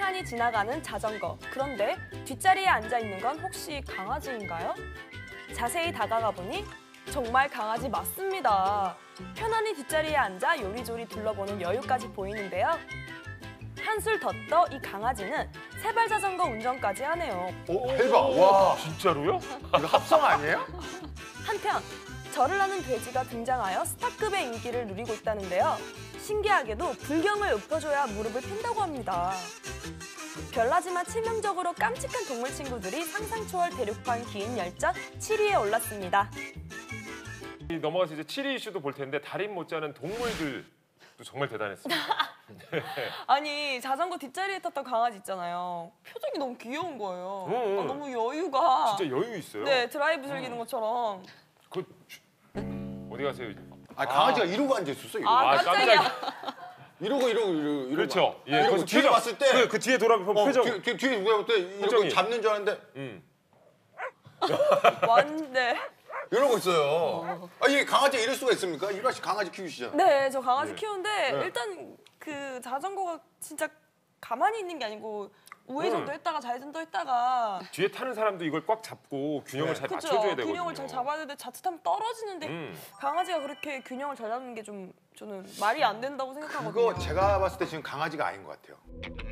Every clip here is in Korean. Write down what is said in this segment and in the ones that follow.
팽팽하니 지나가는 자전거. 그런데 뒷자리에 앉아있는 건 혹시 강아지인가요? 자세히 다가가 보니 정말 강아지 맞습니다. 편안히 뒷자리에 앉아 요리조리 둘러보는 여유까지 보이는데요. 한술 더 떠 이 강아지는 세발 자전거 운전까지 하네요. 오, 대박! 와, 진짜로요? 이거 합성 아니에요? 한편 절을 하는 돼지가 등장하여 스타급의 인기를 누리고 있다는데요. 신기하게도 불경을 읊어줘야 무릎을 핀다고 합니다. 별나지만 치명적으로 깜찍한 동물 친구들이 상상 초월 대륙판 긴 열전 7위에 올랐습니다. 넘어가서 이제 7위 이슈도 볼 텐데 달인 못지않은 동물들도 정말 대단했습니다. 아니 자전거 뒷자리에 탔던 강아지 있잖아요. 표정이 너무 귀여운 거예요. 응. 아, 너무 여유가. 진짜 여유 있어요. 네, 드라이브 즐기는 것처럼. 어디 가세요? 아, 강아지가 이러고 앉아있었어, 이러고. 아, 깜짝이야. 이러고. 그렇죠. 예, 이러고 거기서 뒤를 표정. 봤을 때. 그 뒤에 돌아보면 표정. 뒤에 누가 볼 때 이러고 표정이. 잡는 줄 알았는데 네. 이러고 있어요. 아, 이게 강아지가 이럴 수가 있습니까? 유라 씨 강아지 키우시잖아요. 네, 저 강아지 네. 키우는데 네. 일단 그 자전거가 진짜 가만히 있는 게 아니고 우회전도 했다가 좌회전도 했다가 뒤에 타는 사람도 이걸 꽉 잡고 균형을 네. 잘 그쵸? 맞춰줘야 되거든요. 균형을 잘 잡아야 되는데 자칫하면 떨어지는데 강아지가 그렇게 균형을 잘 잡는 게 좀 저는 말이 안 된다고 생각하거든요. 그거 제가 봤을 때 지금 강아지가 아닌 것 같아요.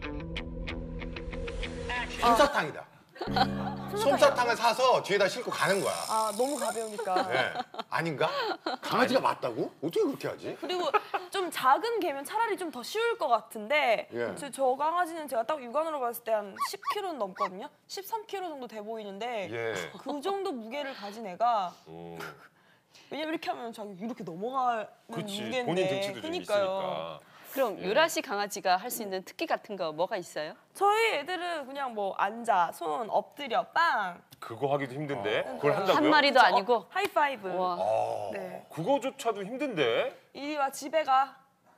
솜사탕이다. 솜사탕을 사서 뒤에다 싣고 가는 거야. 아, 너무 가벼우니까. 네. 아닌가? 강아지가 맞다고? 어떻게 그렇게 하지? 그리고 좀 작은 개면 차라리 좀 더 쉬울 것 같은데 예. 저 강아지는 제가 딱 육안으로 봤을 때 한 10kg는 넘거든요. 13kg 정도 돼 보이는데 예. 그 정도 무게를 가진 애가 오. 왜냐면 이렇게 하면 자기 이렇게 넘어가는 그렇지. 무게인데 본인 등치도 좀 그러니까요. 있으니까. 그럼 유라 씨 강아지가 할 수 있는 특기 같은 거 뭐가 있어요? 저희 애들은 그냥 뭐 앉아, 손, 엎드려, 빵. 그거 하기도 힘든데 그걸 한다고요? 한 마리도 아니고. 하이파이브. 와. 네. 그거조차도 힘든데. 이리 와 집에 가.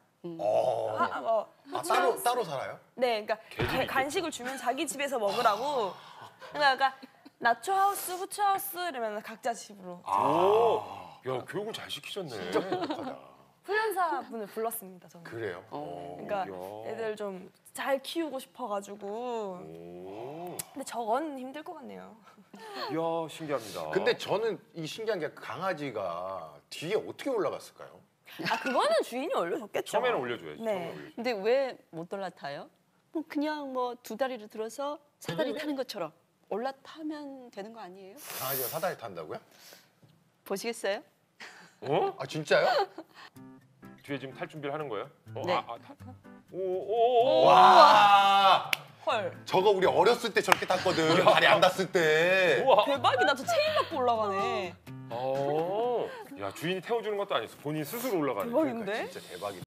따로 살아요? 네, 그러니까 개집이 간식을 주면 자기 집에서 먹으라고. 그러니까 나초 하우스, 후추 하우스 이러면 각자 집으로. 야, 교육을 잘 시키셨네. 진짜 똑똑하다. 훈련사 분을 불렀습니다, 저는. 그래요? 그러니까 야. 애들 좀 잘 키우고 싶어가지고. 오. 근데 저건 힘들 것 같네요. 이야, 신기합니다. 근데 저는 이 신기한 게 강아지가 뒤에 어떻게 올라갔을까요? 아, 그거는 주인이 올려줬겠죠. 처음에는 올려줘야지. 네. 처음에 올려줘야지. 근데 왜 못 올라타요? 뭐 그냥 뭐 두 다리를 들어서 사다리 타는 것처럼 올라타면 되는 거 아니에요? 강아지가 사다리 탄다고요? 보시겠어요? 어? 아, 진짜요? 뒤에 지금 탈 준비를 하는 거예요? 네. 타. 오. 와, 헐. 저거 우리 어렸을 때 저렇게 탔거든. 다리 안 닿았을 때. 우와. 대박이다. 저 체인 받고 올라가네. 야, 주인이 태워주는 것도 아니었어. 본인 스스로 올라가는. 대박인데? 그러니까 진짜 대박이다.